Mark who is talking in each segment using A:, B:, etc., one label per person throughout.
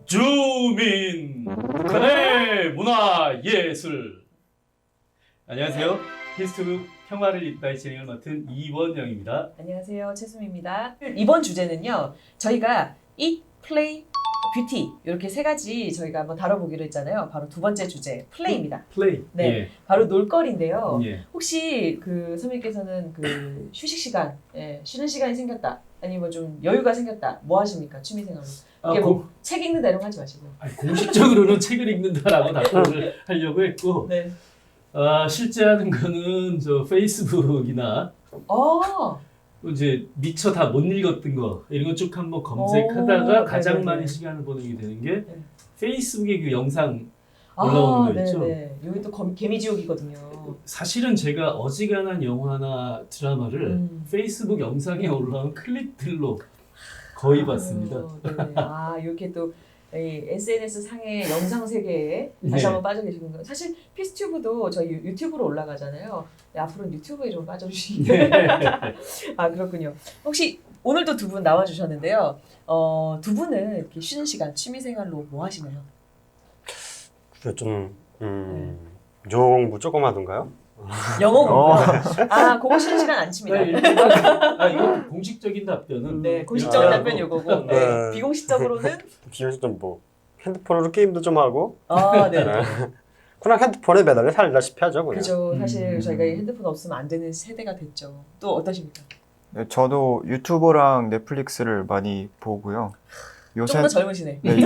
A: 주민 북한의 문화예술. 안녕하세요. 히스토브 평화를 이끌 진행을 맡은 이원영입니다.
B: 안녕하세요. 최수미입니다. 이번 주제는요. 저희가 Eat, Play, 뷰티 이렇게 세 가지 저희가 한번 다뤄보기로 했잖아요. 바로 두 번째 주제 플레이입니다.
A: 플레이.
B: 네,
A: 예.
B: 바로 놀거리인데요.
A: 예.
B: 혹시 선생님께서는 휴식 시간, 쉬는 시간이 생겼다, 아니면 좀 여유가 생겼다, 뭐 하십니까? 취미생활로. 이게 책 읽는다 이런 거 하지 마시고.
A: 공식적으로는 책을 읽는다라고 답변을 하려고 했고,
B: 네.
A: 실제 하는 거는 저 페이스북이나 이제 미처 다 못 읽었던 거 이런 거 쭉 한번 검색하다가 가장
B: 네네네.
A: 많이 시간을 보내게 되는 게
B: 네.
A: 페이스북에 그 영상 올라오는 거 있죠.
B: 네네. 여기 또 개미지옥이거든요.
A: 사실은 제가 어지간한 영화나 드라마를 페이스북 영상에 올라온 클립들로 거의 봤습니다.
B: 네. 이렇게 또 SNS 상의 영상 세계에 다시 한번 빠져 계시는 거. 사실 피스튜브도 저희 유튜브로 올라가잖아요. 네, 앞으로는 유튜브에 좀 빠져주시길. 그렇군요. 혹시 오늘도 두 분 나와주셨는데요. 두 분은 이렇게 쉬는 시간, 취미생활로 뭐 하시나요?
C: 좀 영어 공부 조금 하던가요?
B: 영어 공부. 그거 쉬는 시간 안 칩니다.
A: 이거 공식적인 답변은
B: 네, 공식적인 답변이 이거고. 네. 비공식적으로는
C: 비공식적으로 뭐 핸드폰으로 게임도 좀 하고.
B: 네.
C: 그냥 핸드폰에 매달려 살다시피 하죠. 그냥.
B: 그죠. 사실 저희가 핸드폰 없으면 안 되는 세대가 됐죠. 또 어떠십니까?
D: 네, 저도 유튜버랑 넷플릭스를 많이 보고요.
B: 좀 더 젊으시네.
D: 네,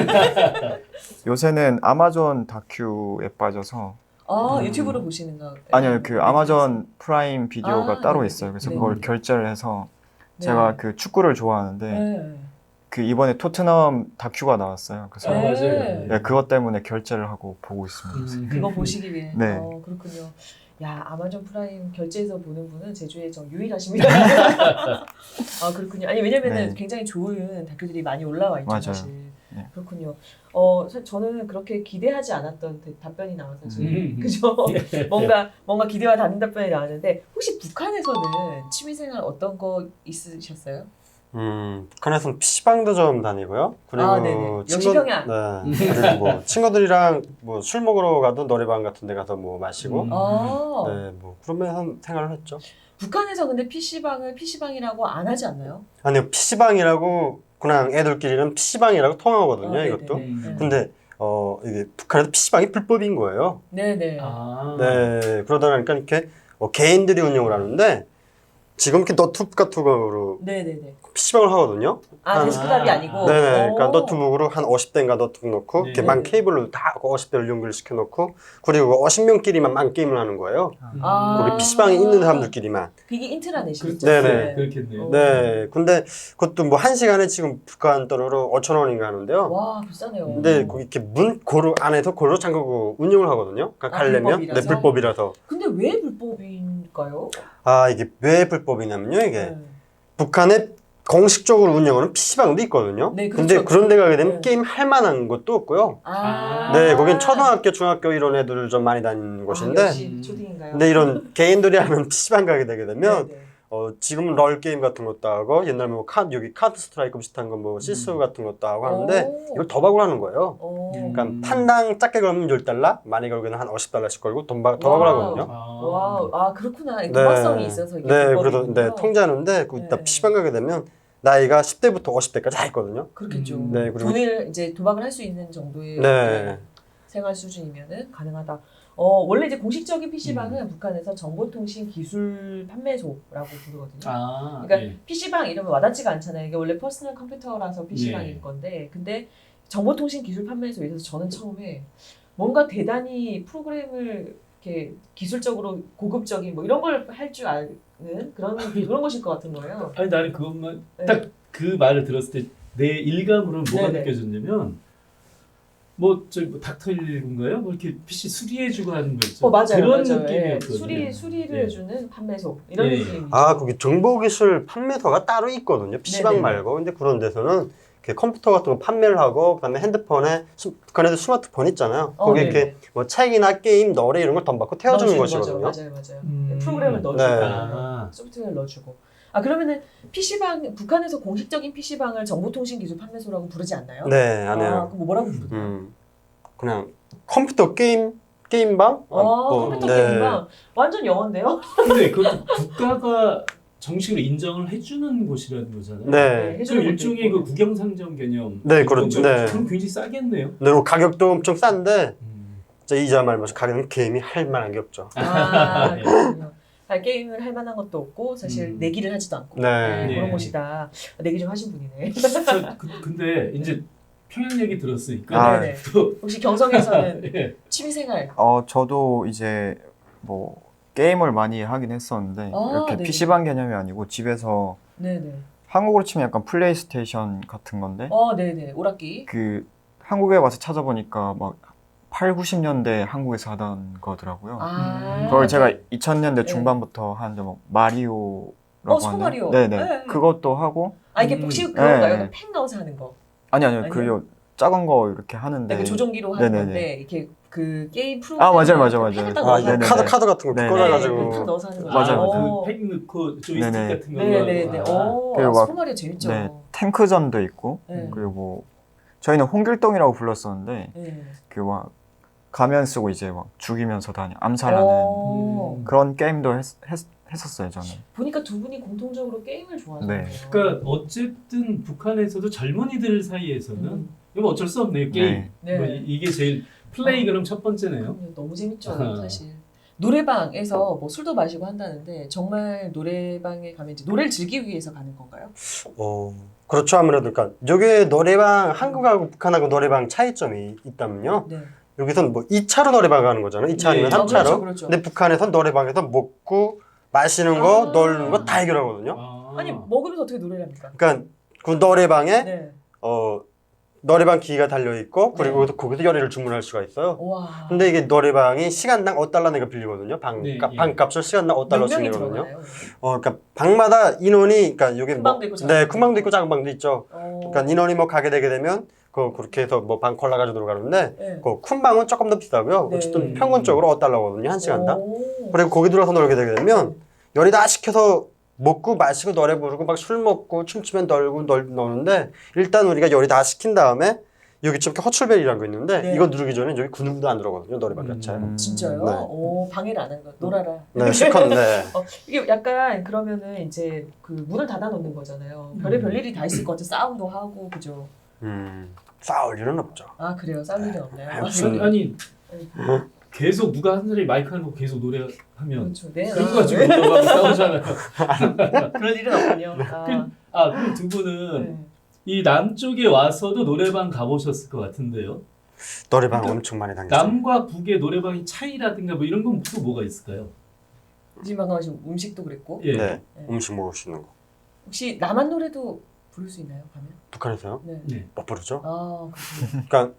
D: 요새는 아마존 다큐에 빠져서
B: 유튜브로 보시는 거?
D: 아니요, 그 아마존 프라임 비디오가 따로
B: 네.
D: 있어요. 그래서
B: 네.
D: 그걸 결제를 해서
B: 네.
D: 제가 그 축구를 좋아하는데
B: 네.
D: 그 이번에 토트넘 다큐가 나왔어요. 그래서
A: 맞아요.
D: 네, 그것 때문에 결제를 하고 보고 있습니다.
B: 그거 보시기 위해.
D: 네.
B: 그렇군요. 야, 아마존 프라임 결제해서 보는 분은 제주에 유일하십니다. 그렇군요. 아니, 왜냐면은
D: 네.
B: 굉장히 좋은 다큐들이 많이 올라와 있죠,
D: 맞아요.
B: 사실.
D: 네.
B: 그렇군요. 저는 그렇게 기대하지 않았던 답변이 나와서 지금 그죠? 뭔가 기대와 다른 답변이 나왔는데, 혹시 북한에서는 취미생활 어떤 거 있으셨어요?
C: 북한에서는 PC방도 좀 다니고요. 그리고
B: 네네. 역시 평양.
C: 네. 그리고 뭐 친구들이랑 뭐 술 먹으러 가도 노래방 같은 데 가서 뭐 마시고. 네, 뭐 그러면서 생활을 했죠.
B: 북한에서 근데 PC방을 PC방이라고 안 하지 않나요?
C: 아니요, PC방이라고 그냥 애들끼리는 PC방이라고 통하거든요,
B: 네네.
C: 이것도.
B: 네.
C: 근데 이게 북한에서 PC방이 불법인 거예요.
B: 네네.
C: 네, 그러다 보니까 이렇게 개인들이 운영을 하는데 지금 이렇게 너튜브 같은 거로
B: 네네네.
C: PC방을 하거든요.
B: 데스크탑이 아니고.
C: 네네. 그러니까 너튜브로 한 50대인가 너튜브 놓고
A: 네.
C: 이렇게 만 케이블로 다 50대를 연결시켜 놓고 그리고 50명끼리만 게임을 하는 거예요. 거기 PC방에 있는 사람들끼리만.
B: 그게 인트라넷이죠.
C: 네네.
A: 그렇겠네요.
C: 네. 근데 그것도 뭐 1시간에 지금 북한 돈으로 5,000원인가 하는데요.
B: 와, 비싸네요.
C: 근데 거기 이렇게 문 고루 안에서 고루 잠그고 운영을 하거든요. 그러니까 가려면
B: 불법이라서?
C: 네, 불법이라서.
B: 근데 왜 불법인가요?
C: 이게 왜 불법이냐면요, 이게
B: 네.
C: 북한에 공식적으로 운영하는 PC방도 있거든요.
B: 네,
C: 근데
B: 그렇죠.
C: 그런 데 가게 되면
B: 네.
C: 게임 할 만한 것도 없고요.
B: 아.
C: 네, 거긴 초등학교, 중학교 이런 애들 좀 많이 다니는 곳인데.
B: 역시 초딩인가요?
C: 근데 이런 개인들이 하는 PC방 가게 되게 되면
B: 네네.
C: 지금은 롤 게임 같은 것도 하고 옛날 뭐 여기 카드 스트라이크 비슷한 거 뭐 시스 같은 것도 하고 하는데 이걸 도박을 하는 거예요. 그러니까 판당 작게 걸면 $10, 많이 걸면 한 $50씩 걸고 도박을 하거든요.
B: 와, 그렇구나. 도박성이 있어서 이게
C: 네, 그래도
B: 불법이군요.
C: 통제하는데 그 이따
B: 네.
C: PC방 가게 되면 나이가 10대부터 50대까지 다 있거든요.
B: 그렇겠죠.
C: 네, 그리고
B: 돈을 이제 도박을 할 수 있는 정도의
C: 네.
B: 생활 수준이면은 가능하다. 원래 이제 공식적인 PC방은 북한에서 정보통신 기술 판매소라고 부르거든요. 그러니까 PC방 이러면 와닿지가 않잖아요. 이게 원래 퍼스널 컴퓨터라서 PC방일 건데, 근데 정보통신 기술 판매소에서 저는 처음에 뭔가 대단히 프로그램을 이렇게 기술적으로 고급적인 뭐 이런 걸 할 줄 아는 그런 것일 것 같은 거예요.
A: 아니 나는 그것만
B: 네.
A: 딱 그 말을 들었을 때 내 일감으로는 뭐가
B: 네네.
A: 느껴졌냐면 뭐 닥터일인가요? 뭐 이렇게 PC 수리해주고 하는 거 있죠.
B: 맞아요.
A: 그런
B: 맞아요.
A: 느낌이었거든요.
B: 수리를
A: 예.
B: 해주는 판매소 이런
A: 예.
B: 느낌이죠.
C: 거기 정보기술 판매소가 따로 있거든요. PC방
B: 네네.
C: 말고. 근데 그런 데서는 이렇게 컴퓨터 같은 거 판매를 하고 그다음에 핸드폰에 북한에도 스마트폰 있잖아요. 거기
B: 네네.
C: 이렇게 뭐 책이나 게임, 노래 이런 걸 돈 받고 태워주는
B: 넣어주는
C: 것이거든요.
B: 거죠. 맞아요. 프로그램을 넣어주고
C: 네.
B: 소프트웨어를 넣어주고. 아 그러면은 PC방 북한에서 공식적인 PC방을 정보통신기술 판매소라고 부르지 않나요?
C: 네, 안 해요.
B: 그럼 뭐라고 부르나요?
C: 그냥 컴퓨터 게임방?
B: 컴퓨터 게임방 완전 영어인데요?
A: 근데 그것도 국가가 정식으로 인정을 해주는 곳이라는 거잖아요.
C: 네.
A: 그 일종의 그 국영상점 개념.
C: 네, 그렇죠. 네.
A: 그럼 굉장히 싸겠네요.
C: 네, 뭐 가격도 엄청 싼데 진짜 이자 말면서 가격은 게임이 할 만한 게 없죠.
A: 네.
B: 그렇군요. 게임을 할 만한 것도 없고 사실 내기를 하지도 않고
C: 네.
B: 그런
A: 네.
B: 곳이다. 내기 좀 하신 분이네.
A: 근데 이제 평양 얘기 들었으니까
B: 네네.
A: 또
B: 혹시 경성에서는
A: 예.
B: 취미생활
D: 저도 이제 뭐 게임을 많이 하긴 했었는데 이렇게
B: 네네.
D: PC방 개념이 아니고 집에서
B: 네네.
D: 한국으로 치면 약간 플레이스테이션 같은 건데
B: 네네. 오락기.
D: 그 한국에 와서 찾아보니까 막 8, 90년대 한국에서 하던 거더라고요. 그걸 제가 2000년대 중반부터 하는데 뭐 마리오라고
B: 슈퍼
D: 하나요?
B: 마리오.
D: 네네.
B: 네.
D: 그것도 하고
B: 이게 혹시 그건가요?
D: 네.
B: 펜 넣어서 하는 거.
D: 아니요.
B: 아니요?
D: 그 작은 거 이렇게 하는데
B: 그 조종기로 하는
D: 네네네.
B: 건데 이렇게 그 게임 프로그램
D: 맞아요.
B: 펜을 딱
C: 아,
B: 넣어서
C: 이게
B: 하는
D: 네네네.
C: 카드 같은 거
D: 네.
C: 꽂아가지고.
B: 펜 넣어서 하는 거.
D: 맞아요.
A: 그팩 넣고 조이스틱
D: 네네.
A: 같은 거.
B: 네네네.
D: 그리고 막-
B: 슈퍼 마리오 재밌죠.
D: 네, 탱크전도 있고
B: 네.
D: 그리고 저희는 홍길동이라고 불렀었는데
B: 네.
D: 그 막 가면 쓰고 이제 막 죽이면서 암살하는 그런 게임도 했었어요 저는.
B: 보니까 두 분이 공통적으로 게임을 좋아하시네요.
D: 네.
A: 그러니까 어쨌든 북한에서도 젊은이들 사이에서는 이거 어쩔 수 없네요. 게임.
B: 네.
A: 뭐 이게 제일 플레이 그럼 첫 번째네요.
B: 너무 재밌죠,
A: 아하.
B: 사실. 노래방에서 뭐 술도 마시고 한다는데 정말 노래방에 가면 이제 노래를 즐기기 위해서 가는 건가요?
C: 그렇죠. 아무래도 그러니까 여기 노래방 한국하고 북한하고 노래방 차이점이 있다면요.
B: 네.
C: 여기서는 뭐 2차로 노래방 가는 거잖아요. 2차 아니면
A: 네.
C: 3차로.
B: 그렇죠.
C: 근데 북한에선 노래방에서 먹고 마시는 거, 놀는 거 다 해결하거든요.
B: 아니 먹으면서 어떻게 노래를 합니까?
C: 그러니까 그 노래방에
B: 네.
C: 노래방 기기가 달려 있고 그리고 거기서 요리를 주문할 수가 있어요.
B: 와.
C: 근데 이게 노래방이 시간당 5달러 내가 빌리거든요.
A: 네,
C: 방값을 시간당
B: 몇
C: 5달러씩
B: 명이
C: 내거든요.
B: 들어가나요?
C: 그러니까 방마다 인원이 그러니까 여기
B: 큰 방도 있고 작은
C: 네,
B: 방도
C: 큰 방도
B: 있고.
C: 있고 작은 방도 있죠. 그러니까 인원이 뭐 가게 되게 되면 그렇게 해서 뭐 방 골라가지고 들어가는데
B: 네.
C: 큰 방은 조금 더 비싸고요.
B: 네.
C: 어쨌든 평균적으로 5달러거든요. 한 시간당.
B: 오.
C: 그리고 거기 들어가서 놀게 되게 되면 요리 다 시켜서 먹고 마시고 노래 부르고 막 술 먹고 춤추면 놀고 노는데 일단 우리가 요리 다 시킨 다음에 여기 좀 이렇게 허출벨이라는 거 있는데
B: 네.
C: 이거 누르기 전에 여기 근육도 안 들어가거든요. 노래방 자체에.
B: 진짜요?
C: 네.
B: 오, 방해를 안 하는 거. 놀아라.
C: 네, 실컷 네.
B: 이게 약간 그러면은 이제 그 문을 닫아 놓는 거잖아요. 별의별 일이 다 있을 것 같아. 싸움도 하고 그죠.
C: 싸울 일은 없죠.
B: 아 그래요. 싸울 일은 없나요?
A: 아니 계속 누가 한 사람이 마이크 하는 거 계속 노래하면
B: 그렇죠. 네.
A: 그런 거 가지고 막 싸우잖아요.
B: 그럴 일은 없군요.
A: 그럼 두 분은
B: 네.
A: 이 남쪽에 와서도 노래방 가보셨을 것 같은데요.
C: 노래방
A: 그러니까
C: 엄청 많이 다녔죠.
A: 남과 북의 노래방의 차이라든가 뭐 이런 건 또 뭐가 있을까요?
B: 지금 방금 하신 음식도 그랬고
A: 예.
C: 네, 음식 먹을 수 있는 거.
B: 혹시 남한 노래도 부를 수 있나요? 가면?
C: 북한에서요?
B: 네.
A: 네.
C: 못 부르죠.
B: 그렇군요.
C: 그러니까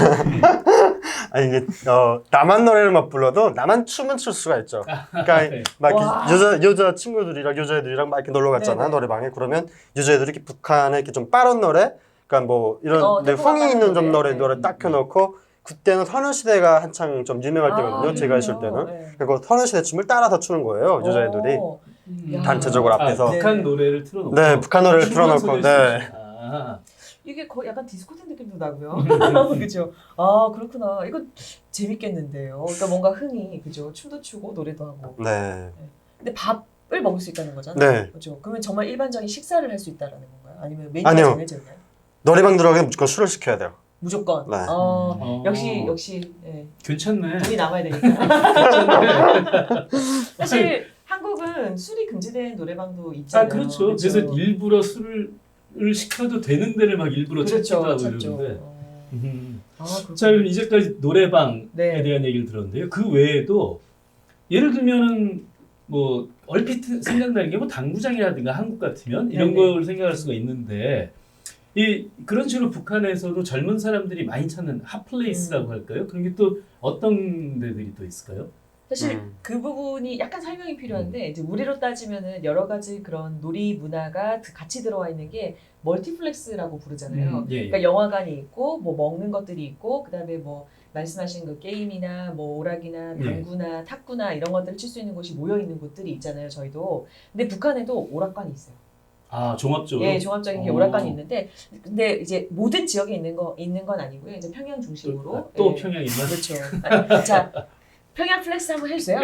C: 아니 이게 남한 노래를 막 불러도 남한 춤은 출 수가 있죠. 그러니까
A: 네.
C: 막
B: 와.
C: 여자 친구들이랑 여자애들이랑 막 이렇게 놀러 갔잖아
B: 네네.
C: 노래방에. 그러면 여자애들이 이렇게 북한에 이렇게 좀 빠른 노래, 그러니까 뭐 이런
B: 템포가
C: 흥이
B: 빠른
C: 있는 좀
B: 노래.
C: 노래 딱 켜놓고 그때는 소녀시대가 한창 좀 유명할 때거든요. 제가 있을 때는.
B: 네.
C: 그리고 소녀시대 춤을 따라서 추는 거예요 여자애들이.
B: 야.
C: 단체적으로 앞에서.
A: 북한 노래를 틀어놓고
C: 네, 북한 노래를
A: 춤만
C: 틀어놓고.
A: 소개할 수
C: 네.
A: 있어요. 아.
B: 이게 거의 약간 디스코텍 느낌도 나고요. 그죠? 그렇구나. 이거 재밌겠는데요. 그러니까 뭔가 흥이 그죠? 춤도 추고 노래도 하고.
C: 네.
B: 근데 밥을 먹을 수 있다는 거잖아요.
C: 네.
B: 그죠? 그러면 정말 일반적인 식사를 할 수 있다라는 건가요? 아니면 메뉴가
C: 아니요.
B: 정해져 있나요?
C: 노래방 들어가면 무조건 술을 시켜야 돼요.
B: 무조건.
C: 네.
B: 역시 예.
A: 괜찮네.
B: 돈이 남아야 되니까.
A: 괜찮네.
B: 사실 한국은 술이 금지된 노래방도 있잖아요.
A: 그렇죠. 그래서 일부러 술을 시켜도 되는 데를 막 일부러 찾기도 하고 이러는데.
B: 그렇군요.
A: 자, 그럼 이제까지 노래방에
B: 네.
A: 대한 얘기를 들었는데요. 그 외에도 예를 들면은 뭐 얼핏 생각나는 게 뭐 당구장이라든가 한국 같으면 이런
B: 네네.
A: 걸 생각할 수가 있는데 그런 식으로 북한에서도 젊은 사람들이 많이 찾는 핫플레이스라고 할까요? 그런 게 또 어떤 데들이 또 있을까요?
B: 사실 그 부분이 약간 설명이 필요한데 이제 우리로 따지면은 여러 가지 그런 놀이 문화가 같이 들어와 있는 게 멀티플렉스라고 부르잖아요.
A: 예.
B: 그러니까 영화관이 있고 뭐 먹는 것들이 있고 그다음에 뭐 말씀하신 그 게임이나 뭐 오락이나 당구나 탁구나 이런 것들을 칠 수 있는 곳이 모여 있는 곳들이 있잖아요. 저희도. 근데 북한에도 오락관이 있어요.
A: 아, 종합적으로?
B: 예, 종합적인 게 오락관이 있는데, 근데 이제 모든 지역에 있는 건 아니고요. 이제 평양 중심으로.
A: 또
B: 예.
A: 평양 있나?
B: 그렇죠. 아니, 자, 평양 플렉스 한번 해주세요.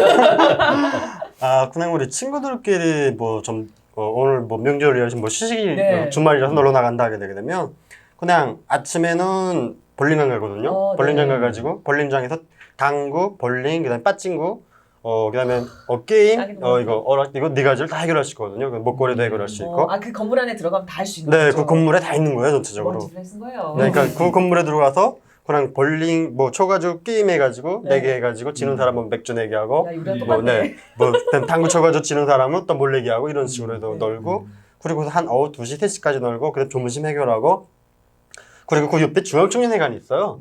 C: 아, 그냥 우리 친구들끼리 뭐 좀 오늘 뭐 명절이라서 뭐 시식이
B: 네.
C: 주말이라서 놀러 나간다 하게 되게 되면 그냥 아침에는 볼링장 가거든요. 볼링장
B: 네.
C: 가가지고 볼링장에서 당구, 볼링, 그다음에 빠찡구, 그다음에 게임, 이거 네 가지를 다 해결할 수 있거든요. 목걸이도 해결할 수 있고.
B: 그 건물 안에 들어가면 다 할 수 있는
C: 네,
B: 거죠.
C: 그 건물에 다 있는 거예요, 전체적으로.
B: 멀티플렉스인 거예요.
C: 네, 그러니까 그 건물에 들어가서 그냥 볼링 뭐 쳐가지고 게임 해가지고
B: 네.
C: 4개 해가지고 지는 사람은 맥주 4개 하고
B: 야, 유리랑
C: 뭐,
B: 똑같네.
C: 뭐 당구 쳐가지고 지는 사람은 또 몰래기 하고 이런 식으로 해서 놀고 그리고 한 오후 2시, 3시까지 놀고 그다음 조문심 해결하고 그리고 그 옆에 중앙청년회관이 있어요.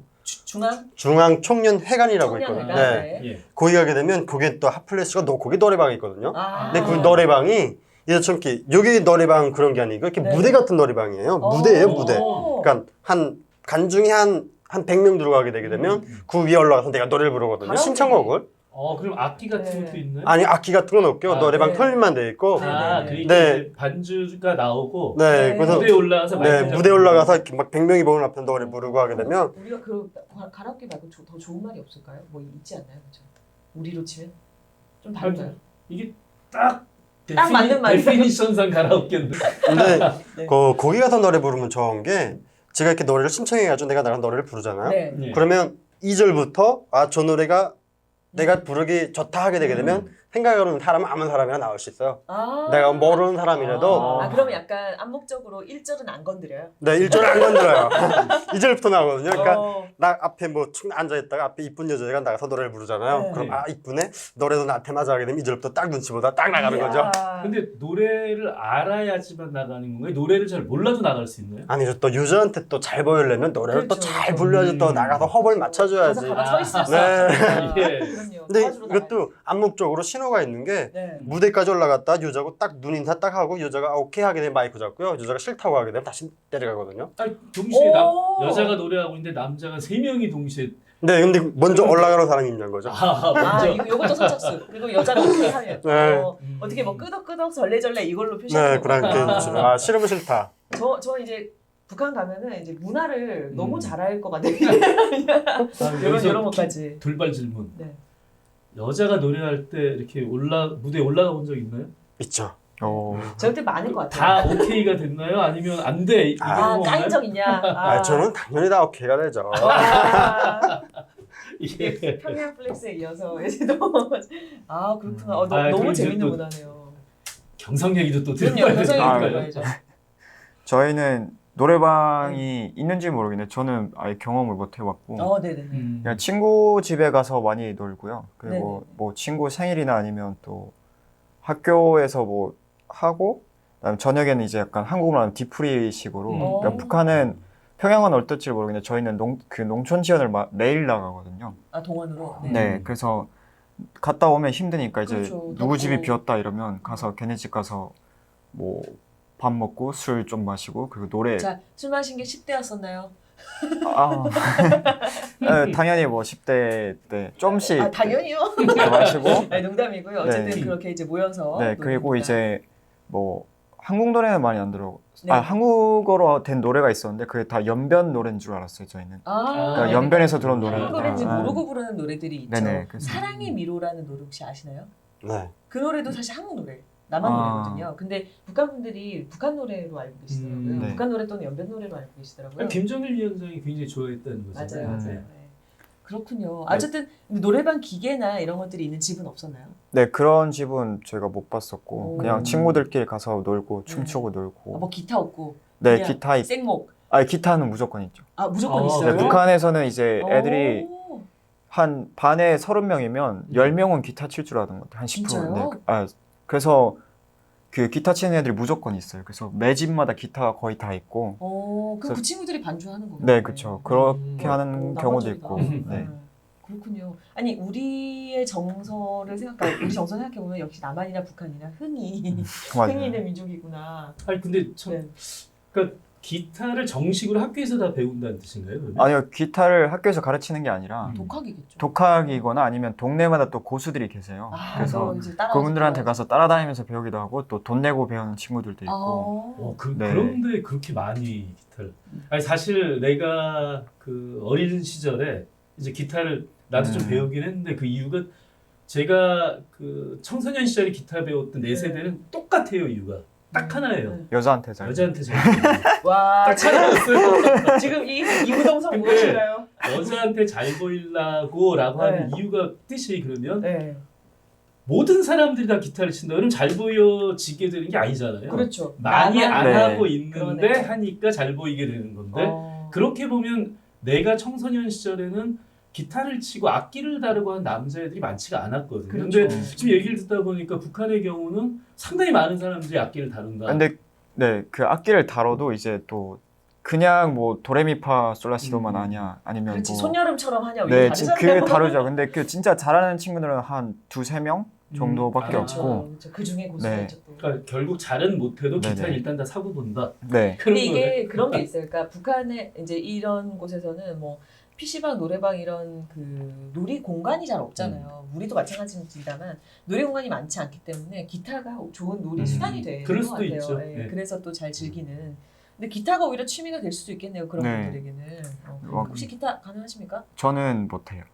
C: 중앙청년회관이라고 있거든요. 네. 거기 가게 되면 거기에 또 핫플레스가 거기 노래방이 있거든요. 근데 그 노래방이 이처럼 여기 노래방 그런 게 아니고 이렇게 무대 같은 노래방이에요. 무대예요, 무대. 그러니까 한 간중에 한 100명 들어가게 되게 되면 그 위에 올라가서 내가 노래를 부르거든요. 신청곡을.
A: 그럼 악기 같은 것도 있나요?
C: 아니, 악기 같은 건 없고요. 노래방 털만 돼 있고.
A: 그러니까 이제 반주가 나오고
C: 그래서
A: 무대에 올라가서
C: 무대에 올라가서 이렇게 막 100명이 보는 앞에 노래 부르고 하게 되면
B: 우리가 그 가라오케 말고 더 좋은 말이 없을까요? 뭐 있지 않나요? 그렇죠? 우리로 치면 좀 다른가요?
A: 이게 딱
B: 맞는 말이에요.
A: 데피니션상 가라오케인데.
C: 근데 거기 가서 노래 부르면 좋은 게 제가 이렇게 노래를 신청해가지고 내가 나간 노래를 부르잖아요.
B: 네.
C: 그러면 2절부터 저 노래가 내가 부르기 좋다 하게 되게 되면 생각해보는 사람은 아무 사람이나 나올 수 있어요. 내가 모르는 사람이라도.
B: 그러면 약간 암묵적으로 1절은 안 건드려요?
C: 네, 1절은 안 건드려요. 2절부터 나오거든요. 그러니까 나 앞에 뭐 축 앉아있다가 앞에 이쁜 여자가 나가서 노래를 부르잖아요. 그럼 이쁘네? 노래도 나한테 맞아 하게 되면 2절부터 딱 눈치 보다 딱 나가는 거죠.
A: 근데 노래를 알아야지만 나가는 건가요? 노래를 잘 몰라도 나갈 수 있나요?
C: 아니죠. 또 유저한테 또 잘 보이려면 노래를 또 잘 불러야지 또 나가서 허벌 맞춰줘야지.
B: 서 있을 수
C: 근데 이것도 암묵적으로 신호가 있는 게 무대까지 올라갔다 여자고 딱 눈 인사 딱 하고 여자가 오케이 하게 되면 마이크 잡고요. 여자가 싫다고 하게 되면 다시 내려가거든요.
A: 아니, 동시에 여자가 노래하고 있는데 남자가 3명이 동시에.
C: 네, 근데 먼저 올라가는 사람이 있는 거죠.
B: 이것도 선착순. 그리고 여자가 오케이 하면 어떻게 뭐 끄덕끄덕 절레절레 이걸로 표시하는
C: 거. 네, 그렇게 싫으면 싫다.
B: 저 이제 북한 가면은 이제 문화를 너무 잘 알 것 같아요. 이런 것까지.
A: 돌발 질문.
B: 네.
A: 여자가 노래할 때 이렇게 무대에 올라가 본 적 있나요?
C: 있죠.
B: 저한테 많은 것 같아요.
A: 다 오케이가 됐나요? 아니면 안 돼?
B: 까인 적 있냐?
C: 저는 당연히 다 오케이가 되죠.
B: 이게 평양 플렉스에 이어서 이제도 그렇구나. 너무 재밌는 문화네요.
A: 경성 얘기도 또
B: 들어봐야죠.
D: 저희는 노래방이 있는지 모르겠는데 저는 아예 경험을 못 해봤고
B: 네네.
D: 그냥 친구 집에 가서 많이 놀고요. 그리고 뭐 친구 생일이나 아니면 또 학교에서 뭐 하고 그다음에 저녁에는 이제 약간 한국으로 하는 뒤풀이식으로 그러니까 북한은 평양은 어떨지 모르겠는데 저희는 농촌 지원을 매일 나가거든요.
B: 동원으로?
D: 네. 그래서 갔다 오면 힘드니까 이제
B: 그렇죠.
D: 누구 집이 비었다 이러면 가서 걔네 집 가서 뭐 밥 먹고 술 좀 마시고 그리고 노래.
B: 자, 술 마신 게 10대였었나요?
D: 당연히 뭐 10대 때 좀씩
B: 당연히요.
D: 마시고.
B: 농담이고요. 어쨌든 그렇게 이제 모여서.
D: 그리고 이제 뭐 한국 노래는 많이 안 들어. 한국어로 된 노래가 있었는데 그게 다 연변 노래인 줄 알았어요 저희는. 그러니까 연변에서 들어온 노래.
B: 한국 노래인지 모르고 부르는 노래들이 있죠.
D: 네네,
B: 사랑의 미로라는 노래 혹시 아시나요?
C: 네.
B: 그 노래도 사실 한국 노래. 남한 노래거든요. 근데 북한 분들이 북한 노래로 알고 계시더라고요. 북한 노래 또는 연변 노래로 알고 계시더라고요.
A: 김정일 위원장이 굉장히 좋아했다는 거죠.
B: 맞아요. 그렇군요. 어쨌든 노래방 기계나 이런 것들이 있는 집은 없었나요?
D: 네, 그런 집은 저희가 못 봤었고 그냥 친구들끼리 가서 놀고 춤추고 놀고.
B: 뭐 기타 없고.
D: 네, 기타
B: 생목.
D: 기타는 무조건 있죠.
B: 무조건 있어요?
D: 네, 북한에서는 이제 애들이 한 반에 30명이면 10명은 기타 칠 줄 아는 것 같아요. 한 10%.
B: 진짜요?
D: 그래서 그 기타 치는 애들이 무조건 있어요. 그래서 매 집마다 기타가 거의 다 있고.
B: 그럼 그 친구들이 반주하는 거예요?
D: 네, 그렇죠. 그렇게 하는 경우도 있고. 네.
B: 그렇군요. 아니 우리의 정서를 우리 정서 생각해 보면 역시 남한이나 북한이나 흥이 있는 민족이구나.
A: 아니 근데 참, 그러니까 기타를 정식으로 학교에서 다 배운다는 뜻인가요? 그러면?
D: 아니요, 기타를 학교에서 가르치는 게 아니라
B: 독학이겠죠.
D: 독학이거나 아니면 동네마다 또 고수들이 계세요. 그래서 그분들한테 가서 따라다니면서 배우기도 하고 또 돈 내고 배우는 친구들도 있고. 네.
A: 그런데 그렇게 많이 기타를. 아니 사실 내가 그 어린 시절에 이제 기타를 나도 좀 배우긴 했는데 그 이유가 제가 그 청소년 시절에 기타 배웠던 네 세대는 똑같아요. 이유가 딱 하나예요.
D: 여자한테 잘.
A: 여자한테 잘.
B: 와,
A: 딱 하나였어요.
B: 지금 이 이구동성 무엇인가요?
A: 여자한테 잘 보이려고라고 하는 이유가 뜻이 그러면
B: 네.
A: 모든 사람들이 다 기타를 친다. 그러면 잘 보여지게 되는 게 아니잖아요.
B: 그렇죠.
A: 많이 안
D: 네.
A: 하고 있는데
B: 그러네.
A: 하니까 잘 보이게 되는 건데 그렇게 보면 내가 청소년 시절에는 기타를 치고 악기를 다루고 하는 남자애들이 많지가 않았거든요.
B: 그렇죠.
A: 근데 지금 얘기를 듣다 보니까 북한의 경우는 상당히 많은 사람들이 악기를 다룬다.
D: 근데 네, 그 악기를 다뤄도 이제 또 그냥 뭐 도레미파 솔라시도만 하냐 아니면
B: 그렇지.
D: 뭐
B: 손여름처럼 하냐.
D: 네,
B: 다르잖아요.
D: 그게 다르죠. 근데 그 진짜 잘하는 친구들은 한 두세 명 정도밖에
A: 그렇죠.
D: 없고.
B: 그렇죠. 그 중에 고수가
D: 네.
B: 있죠. 또.
A: 그러니까 결국 잘은 못해도
D: 네네.
A: 기타는 일단 다 사고 본다.
D: 네.
B: 근데 이게 그런 게 있어요. 그러니까 북한에 이제 이런 곳에서는 뭐 PC방, 노래방 이런 그 놀이 공간이 잘 없잖아요. 우리도 마찬가지입니다만 놀이 공간이 많지 않기 때문에 기타가 좋은 놀이 수단이 되는
A: 그럴
B: 것
A: 수도
B: 같아요.
A: 있죠.
B: 예,
A: 네.
B: 그래서 또 잘 즐기는. 근데 기타가 오히려 취미가 될 수도 있겠네요. 그런
D: 네.
B: 분들에게는. 혹시 기타 가능하십니까?
D: 저는 못해요.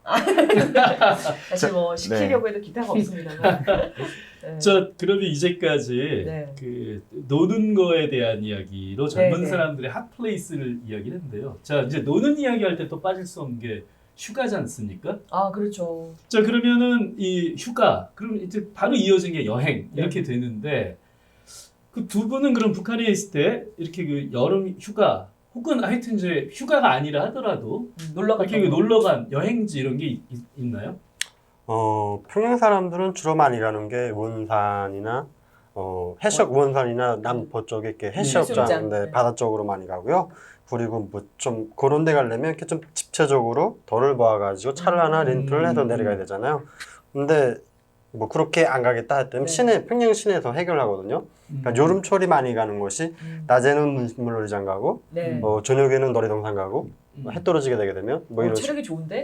B: 사실 뭐 시키려고 해도 기타가 없습니다만. 네.
A: 저 그러면 이제까지
B: 네.
A: 그 노는 거에 대한 이야기로 젊은
B: 네, 네.
A: 사람들의 핫플레이스를 이야기를 했는데요. 자 이제 노는 이야기 할 때 또 빠질 수 없는 게 휴가지 않습니까?
B: 아 그렇죠.
A: 자 그러면은 이 휴가 그럼 이제 바로 이어진 게 여행 이렇게 되는데 그 두 분은 그럼 북한에 있을 때 이렇게 그 여름 휴가 혹은 하여튼 이제 휴가가 아니라 하더라도
B: 놀러
A: 이렇게 그 놀러 간 여행지 이런 게 있나요?
C: 평양 사람들은 주로 많이 가는 게 원산이나 해수욕 원산이나 남포 쪽에 이렇게 해수욕장,
B: 해수욕장.
C: 네,
B: 네.
C: 바다 쪽으로 많이 가고요. 그리고 뭐 좀 그런 데 가려면 이렇게 좀 집체적으로 덜을 모아가지고 차를 하나 렌트를 해서 내려가야 되잖아요. 근데 뭐 그렇게 안 가겠다 했더니
B: 네.
C: 평양 시내에서 해결하거든요. 그러니까 여름철이 많이 가는 곳이 낮에는 물놀이장 가고
B: 네.
C: 저녁에는 놀이동산 가고 해 떨어지게 되게 되면 뭐 이런
B: 체력이 좋은데?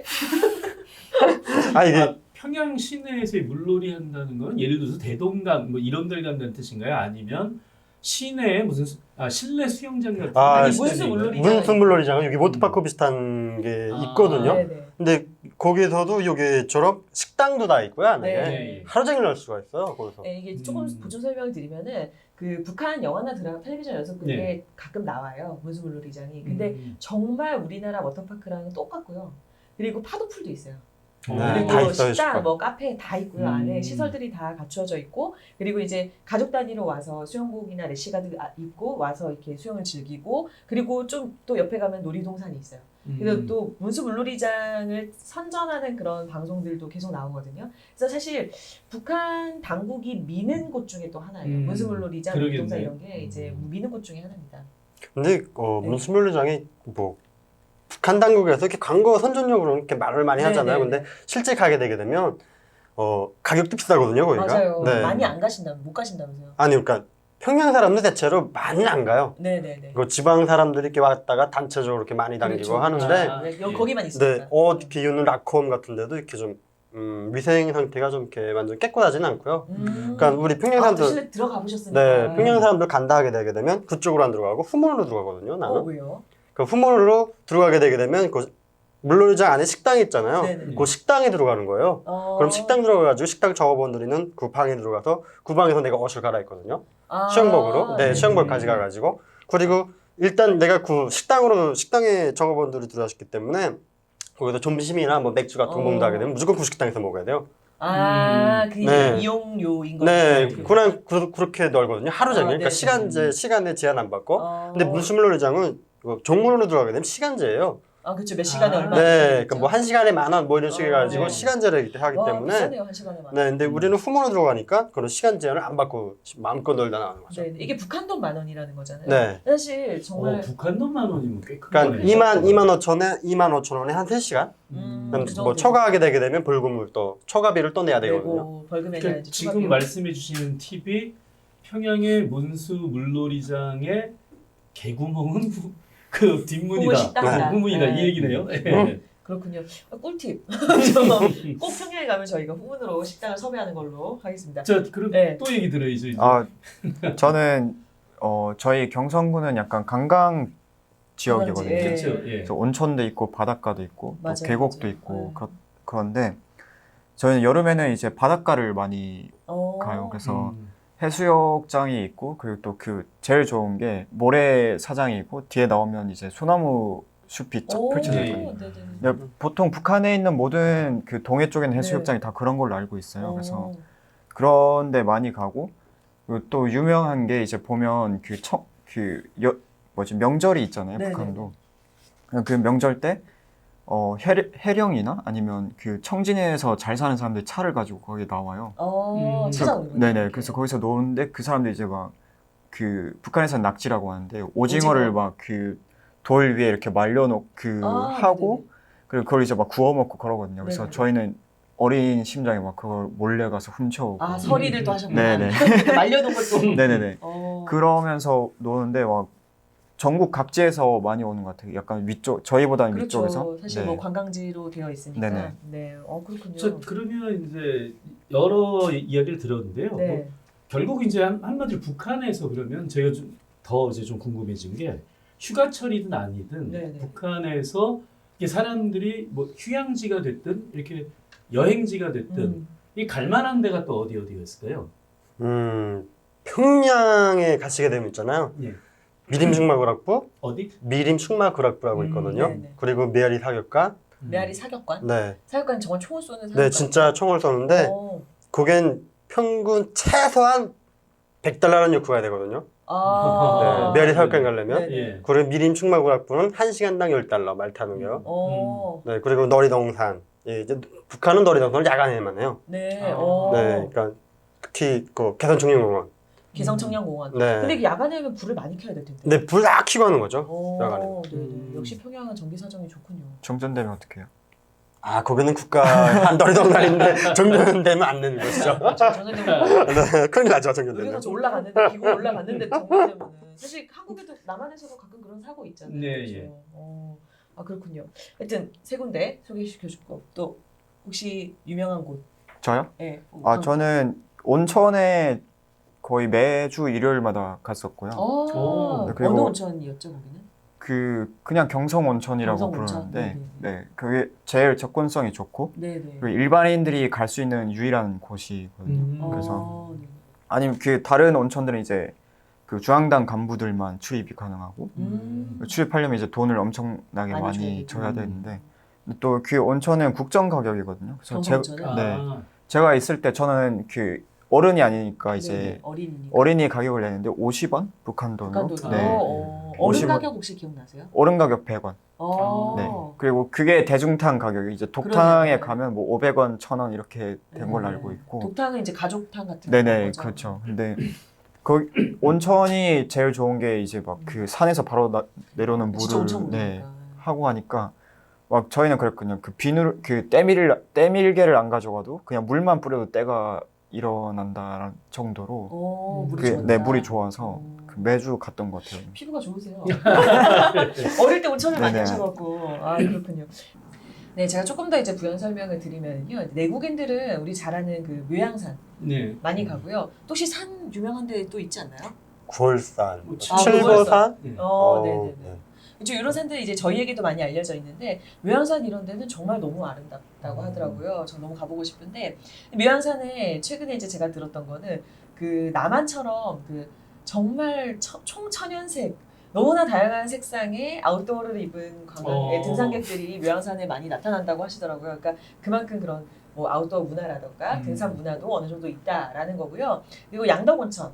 C: 이게
A: 평양 시내에서 물놀이 한다는 건 예를 들어서 대동강 뭐 이런 데를 간다는 뜻인가요? 아니면 시내에 무슨 실내 수영장 같은
B: 아니,
A: 데
B: 문수
A: 있다는
B: 물놀이.
A: 얘기인가요?
C: 문수 물놀이장은 여기 워터파크 비슷한 게 있거든요.
B: 네네.
C: 근데 거기서도 여기처럼 식당도 다 있고요. 안에
B: 네.
C: 하루 종일 할 수가 있어요. 거기서.
B: 네, 이게 조금 보충 설명을 드리면은 그 북한 영화나 드라마, 텔레비전에서 그게
A: 네.
B: 가끔 나와요. 문수물놀이장이. 근데 정말 우리나라 워터파크랑 똑같고요. 그리고 파도풀도 있어요.
C: 네,
B: 그리고
C: 다 있어요,
B: 식당,
C: 식당.
B: 뭐 카페 다 있고요. 안에 시설들이 다 갖추어져 있고, 그리고 이제 가족 단위로 와서 수영복이나 래시가드 입고 와서 이렇게 수영을 즐기고, 그리고 좀 또 옆에 가면 놀이동산이 있어요. 그래서 또 문수물놀이장을 선전하는 그런 방송들도 계속 나오거든요. 그래서 사실 북한 당국이 미는 곳 중에 또 하나예요. 문수물놀이장, 놀이동산 이런 게 이제 미는 곳 중에 하나입니다.
C: 근데 문수물놀이장이 뭐 북한 당국에서 이렇게 광고 선전용으로 이렇게 말을 많이 하잖아요.
B: 네네네.
C: 근데 실제 가게 되게 되면 가격도 비싸거든요, 거기가.
B: 맞아요.
C: 네.
B: 많이 안 가신다면 못 가신다면서요?
C: 아니 그러니까 평양 사람들 대체로 많이 안 가요.
B: 네네네.
C: 그 지방 사람들이 이렇게 왔다가 단체적으로 이렇게 많이 다니고
B: 그렇죠.
C: 하는데
B: 여기 거기만 있으니까.
C: 네, 비우는 라콤 같은 데도 이렇게 좀 위생 상태가 좀 이렇게 완전 깨끗하지는 않고요. 그러니까 우리 평양 사람들
B: 실내 들어가 보셨으니까.
C: 네, 평양 사람들 간다 하게 되게 되면 그쪽으로 안 들어가고 후문으로 들어가거든요. 나는.
B: 왜요?
C: 그 후문으로 들어가게 되게 되면 그 물놀이장 안에 식당이 있잖아요.
B: 네네.
C: 그 식당에 들어가는 거예요. 그럼 식당 들어가가지고 식당 작업원들이는 그 방에 들어가서 그 방에서 내가 옷을 갈아입거든요. 수영복으로. 네, 수영복 가져가가지고. 그리고 일단 내가 그 식당에 작업원들이 들어왔기 때문에 거기서 점심이나 뭐 맥주 같은 거 먹는다 하게 되면 무조건 그 식당에서 먹어야 돼요.
B: 그게
C: 네.
B: 이용료인 거죠.
C: 네, 그냥 그렇게 놀거든요. 하루 종일. 그러니까
B: 네.
C: 시간에 제한 안 받고. 근데 문수물놀이장은 종문으로 들어가게 되면 시간제예요.
B: 그렇죠. 몇 시간에 얼마?
C: 네, 그러니까 뭐 1시간에 10,000원 뭐 이런 식으로 해가지고
B: 네.
C: 시간제를 하기 때문에.
B: 비싸네요. 1시간에 만 원.
C: 네, 근데 우리는 후문으로 들어가니까 그런 시간 제한을 안 받고 마음껏 놀다 나오는 거죠.
B: 네, 이게 북한 돈 10,000원이라는 거잖아요.
C: 네.
B: 사실 정말
A: 북한 돈 10,000원이면 꽤 큰
C: 그러니까
A: 거네요.
C: 25,000원에 한 3시간? 그럼
B: 그
C: 뭐
B: 정도
C: 초과하게 되게 되면 초과비를 또 내야 되거든요.
B: 내고 벌금에
A: 그러니까
B: 대한
A: 지금 말씀해 주시는 팁이 평양의 문수 물놀이장에 개구멍은 그 뒷문이다.
B: 후문 식당이다.
A: 후문이다
B: 네.
A: 이 얘기네요. 예.
B: 그렇군요. 꿀팁. 꼭 평양에 가면 저희가 후문으로 식당을 섭외하는 걸로 하겠습니다.
A: 자, 그럼
B: 네.
A: 또 얘기 들어야죠. 이제.
D: 저는 저희 경성군은 약간 관광 지역이거든요.
B: 예.
A: 그렇죠. 예.
D: 그래서 온천도 있고 바닷가도 있고 또
B: 맞아요,
D: 계곡도
B: 맞아요.
D: 있고 그런데 저희는 여름에는 이제 바닷가를 많이 가요. 그래서 해수욕장이 있고 그리고 또 그 제일 좋은 게 모래사장이 있고 뒤에 나오면 이제 소나무 숲이 쫙 펼쳐져
A: 예.
D: 있거든요.
B: 네네.
D: 근데 보통 북한에 있는 모든 그 동해 쪽에 있는 해수욕장이 다 그런 걸로 알고 있어요. 그래서 그런 데 많이 가고 그리고 또 유명한 게 이제 보면 명절이 있잖아요.
B: 네네.
D: 북한도. 그 명절 때 해령이나 아니면 그 청진에서 잘 사는 사람들이 차를 가지고 거기 나와요.
B: 찾아오는 거죠.
D: 네네. 그래서 거기서 노는데 그 사람들이 이제 막 그 북한에서는 낙지라고 하는데 오징어를 막 그 돌 위에 이렇게 말려놓고 하고 그리고 그걸 이제 막 구워 먹고 그러거든요. 그래서
B: 네네.
D: 저희는 어린 심장에 막 그걸 몰래 가서 훔쳐오고.
B: 서리를 또 하셨구나.
D: 네네.
B: 말려놓은 것도.
D: 네네네. 그러면서 노는데 막 전국 각지에서 많이 오는 것 같아요. 약간 위쪽, 저희보다는
B: 그렇죠.
D: 위쪽에서.
B: 사실
D: 네.
B: 뭐 관광지로 되어 있으니까.
D: 네네.
B: 네. 그렇군요.
A: 저 그러면 이제 여러 이야기를 들었는데요.
B: 네.
A: 뭐 결국 이제 한마디로 북한에서 그러면 제가 더 이제 좀 궁금해진 게 휴가철이든 아니든
B: 네네.
A: 북한에서 이게 사람들이 뭐 휴양지가 됐든 이렇게 여행지가 됐든 이 갈만한 데가 또 어디가 있을까요?
C: 평양에 가시게 되면 있잖아요.
A: 예.
C: 미림축마구락부,
A: 어디?
C: 미림축마구락부라고 있거든요.
B: 네네.
C: 그리고 메아리 사격관.
B: 메아리 사격관.
C: 네.
B: 사격관 정말 총을 쏘는 사격관.
C: 네, 진짜 총을 쏘는데 그겐 평균 최소한 $100라는 요구가 되거든요. 네, 메아리 사격관 가려면.
B: 네네.
A: 예.
C: 그리고 미림축마구락부는 1시간당 $10 말 타는 게요. 네, 그리고 너리동산. 예, 이제 북한은 너리동산을 야간에만 해요.
B: 네.
C: 네, 그러니까 특히 그 개선청년공원.
B: 개성청년공원.
C: 네.
B: 근데 야간에 하면 불을 많이 켜야 될 텐데.
C: 네, 불 다 켜고 하는 거죠. 야간에.
B: 네네. 역시 평양은 전기 사정이 좋군요.
D: 정전되면 어떡해요?
C: 거기는 국가 한 너리동산인데 정전되면 안 되는 것이죠.
B: 정전되면
C: 네, 큰일 나죠,
B: 의료선
C: 정전되면.
B: 좀 올라갔는데 기고 올라갔는데 정전되면은 사실 한국에도 남한에서도 가끔 그런 사고 있잖아요.
A: 네,
B: 그렇죠?
A: 예.
B: 그렇군요. 하여튼 세 군데 소개시켜 주고 또 혹시 유명한 곳?
D: 저요?
B: 네.
D: 저는 온천에 거의 매주 일요일마다 갔었고요.
B: 어느
D: 그리고
B: 온천이었죠 거기는?
D: 그냥 경성 온천이라고
B: 경성 온천?
D: 부르는데,
B: 네네.
D: 네, 그게 제일 접근성이 좋고,
B: 네네.
D: 그리고 일반인들이 갈 수 있는 유일한 곳이거든요. 그래서
B: 네.
D: 아니면 그 다른 온천들은 이제 그 중앙당 간부들만 출입이 가능하고, 출입하려면 이제 돈을 엄청나게 많이 줘야 되는데, 또 그 온천은 국정 가격이거든요. 그래서
B: 경성 온천은?
D: 네, 제가 있을 때 저는 그 어른이 아니니까 이제
B: 어린이니까.
D: 어린이 가격을 내는데 50원? 북한 돈으로.
B: 북한도.
D: 네.
B: 어른
D: 50원.
B: 가격 혹시 기억나세요?
D: 어른 가격 100원. 네. 그리고 그게 대중탕 가격이 이제 독탕에
B: 그러네요.
D: 가면 뭐 500원, 1000원 이렇게 된 걸로 알고 있고.
B: 독탕은 이제 가족탕 같은
D: 네네,
B: 거죠?
D: 그렇죠. 근데 그 온천이 제일 좋은 게 이제 막 그 산에서 바로 내려오는
B: 진짜 엄청
D: 물을
B: 무르니까.
D: 하고 하니까 막 저희는 그랬거든요. 그 비누 그 때밀개를 안 가져가도 그냥 물만 뿌려도 때가 일어난다는 정도로
B: 물이
D: 그,
B: 좋았다.
D: 네, 물이 좋아서 그 매주 갔던 것 같아요.
B: 피부가 좋으세요. 어릴 때 온천을 많이
D: 네네.
B: 하셔갖고 그렇군요. 네, 제가 조금 더 이제 부연 설명을 드리면요, 내국인들은 우리 잘 아는 그 묘양산
A: 네.
B: 많이 가고요. 또 혹시 산 유명한 데 또 있지 않나요?
C: 구월산,
A: 칠보산.
C: 칠보산.
A: 네.
B: 네네네. 이런 산들이 이제 저희에게도 많이 알려져 있는데 묘양산 이런 데는 정말 너무 아름답다고 하더라고요. 저 너무 가보고 싶은데 묘양산에 최근에 이제 제가 들었던 거는 그 남한처럼 그 정말 총천연색 너무나 다양한 색상의 아웃도어를 입은 등산객들이 묘양산에 많많이 나타난다고 하시더라고요. 그러니까 그만큼 그런 뭐 아웃도어 문화라던가 등산 문화도 어느 정도 있다라는 거고요. 그리고 양덕온천,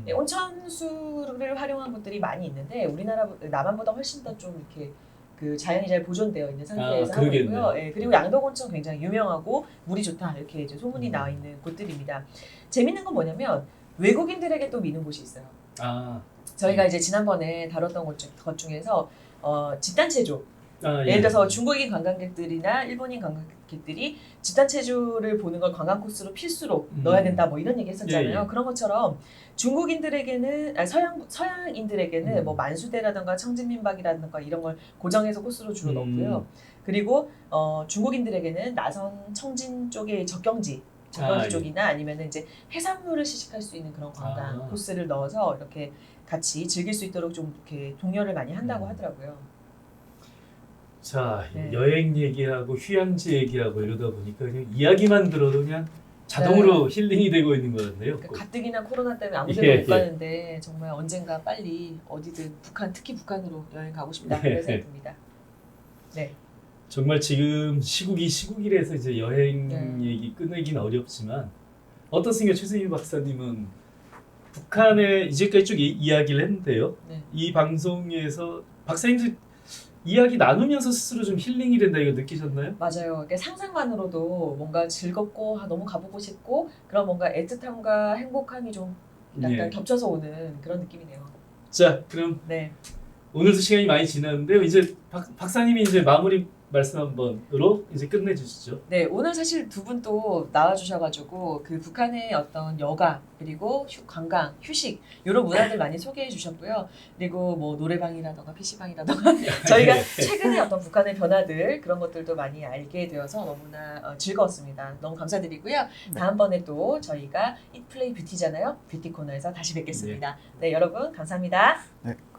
B: 온천수를 활용한 곳들이 많이 있는데 우리나라 남한보다 훨씬 더 좀 이렇게 그 자연이 잘 보존되어 있는 상태에서 하고 있고요. 그리고 양덕온천 굉장히 유명하고 물이 좋다 이렇게 이제 소문이 나와 있는 곳들입니다. 재밌는 건 뭐냐면 외국인들에게 또 미는 곳이 있어요. 저희가 이제 지난번에 다뤘던 것 중에서 집단체조. 예를 들어서 중국인 관광객들이나 일본인 관광객들이 집단 체조를 보는 걸 관광 코스로 필수로 넣어야 된다 뭐 이런 얘기 했었잖아요.
A: 예, 예.
B: 그런 것처럼 중국인들에게는 서양인들에게는 뭐 만수대라든가 청진민박이라든가 이런 걸 고정해서 코스로 주로 넣고요. 그리고 중국인들에게는 나선 청진 쪽의 적경지
A: 예.
B: 쪽이나 아니면은 이제 해산물을 시식할 수 있는 그런 관광 코스를 넣어서 이렇게 같이 즐길 수 있도록 좀 이렇게 독려를 많이 한다고 하더라고요.
A: 자,
B: 네.
A: 여행 얘기하고 휴양지 얘기하고 이러다 보니까 그냥 이야기만 들어도 그냥 자동으로 힐링이 되고 있는 것 같네요.
B: 그러니까 가뜩이나 코로나 때문에 아무 데나 못 가는데 정말 언젠가 빨리 어디든 특히 북한으로 여행 가고 싶다 그런 생각이 듭니다. 네.
A: 정말 지금 시국이라서 이제 여행 얘기 꺼내긴 어렵지만 어떻습니까, 최승희 박사님은 북한에 이제까지 쭉 이야기를 했는데요.
B: 네.
A: 이 방송에서 박사님도 이야기 나누면서 스스로 좀 힐링이 된다 이거 느끼셨나요?
B: 맞아요. 그러니까 상상만으로도 뭔가 즐겁고 너무 가보고 싶고 그런 뭔가 애틋함과 행복함이 좀 약간 겹쳐서 오는 그런 느낌이네요.
A: 자, 그럼
B: 네.
A: 오늘도 시간이 많이 지났는데요. 이제 박사님이 이제 마무리 말씀 한번으로 이제 끝내주시죠.
B: 네, 오늘 사실 두 분 또 나와주셔가지고 그 북한의 어떤 여가 그리고 관광, 휴식 이런 문화들 많이 소개해 주셨고요. 그리고 뭐 노래방이라던가 PC방이라던가 저희가 최근에 어떤 북한의 변화들 그런 것들도 많이 알게 되어서 너무나 즐거웠습니다. 너무 감사드리고요. 다음번에 또 저희가 Eat Play Beauty잖아요. 뷰티 코너에서 다시 뵙겠습니다. 네, 여러분 감사합니다.
D: 네.